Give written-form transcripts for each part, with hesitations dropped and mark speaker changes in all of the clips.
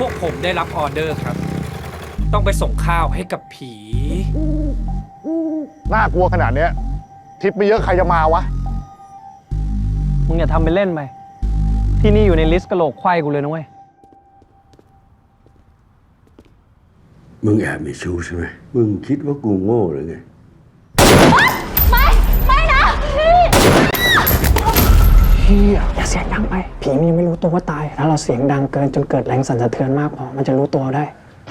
Speaker 1: วกผมได้รับออเดอร์ครับ ต้องไปส่งข้าวให้กับผี
Speaker 2: น่ากลัวขนาดเนี้ยทิปไม่เยอะใครจะมาวะ
Speaker 3: มึงอย่าทำเป็นเล่นไป ที่นี่อยู่ในลิสต์กะโหลกไขว้กูเลยนะเว้ย
Speaker 4: มึงแอบมีชู้ใช่ไหม มึงคิดว่ากูโง่หรือไง
Speaker 5: ไม่นะพี่
Speaker 3: อย่าเสียงดังไป ผีมันยังไม่รู้ตัวว่าตาย ถ้าเราเสียงดังเกินจนเกิดแรงสั่นสะเทือนมากพอ มันจะรู้ตัวได้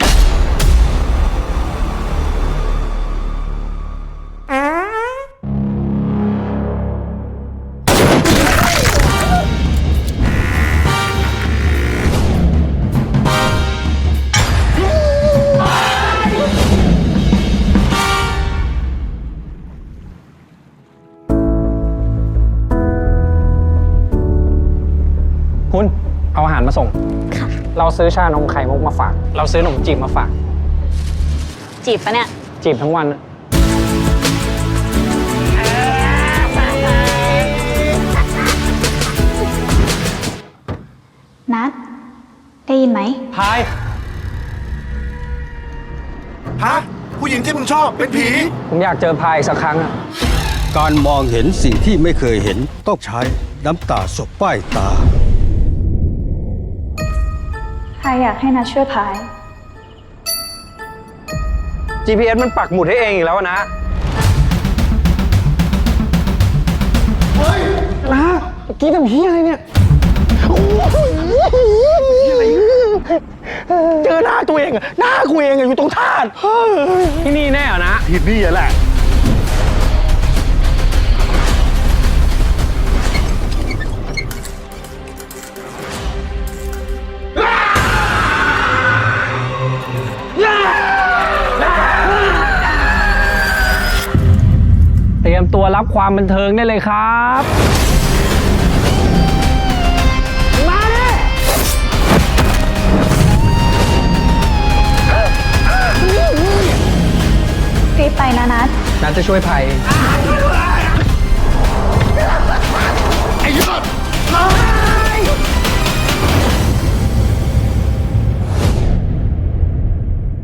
Speaker 3: คุณ เอาอาหารมาส่ง
Speaker 5: ค่ะ
Speaker 3: เราซื้อชานมไข่มุกมาฝาก เราซื้อขนมจีบมาฝาก
Speaker 5: จีบปะเนี่ย
Speaker 3: จีบทั้งวันอะ
Speaker 5: นัดได้ยินไหม
Speaker 3: พาย
Speaker 6: ฮะ ผู้หญิงที่มึงชอบเป็นผี
Speaker 3: ผมอยากเจอพายอีกสักครั้งอะ
Speaker 4: การมองเห็นสิ่งที่ไม่เคยเห็นต้องใช้น้ำตาสบป้ายตา
Speaker 5: ใครอยากให้นัดช่วยพาย
Speaker 3: GPS มันปักหมุดให้เองอีกแล้วนะเฮ้ยนะเมื่อกี้ทำเฮียอะไรเนี่ย
Speaker 2: เจอหน้าตัวเองอะหน้ากูเองอะอยู่ตรงธาตุ
Speaker 3: ที่นี่แน่เหรอนะ
Speaker 2: ที่นี่แหละ
Speaker 3: เตรียมตัวรับความบันเทิงได้เลยครับ มาเลย
Speaker 5: รีบไปนะนัด
Speaker 3: นัดจะช่วยภัยเอง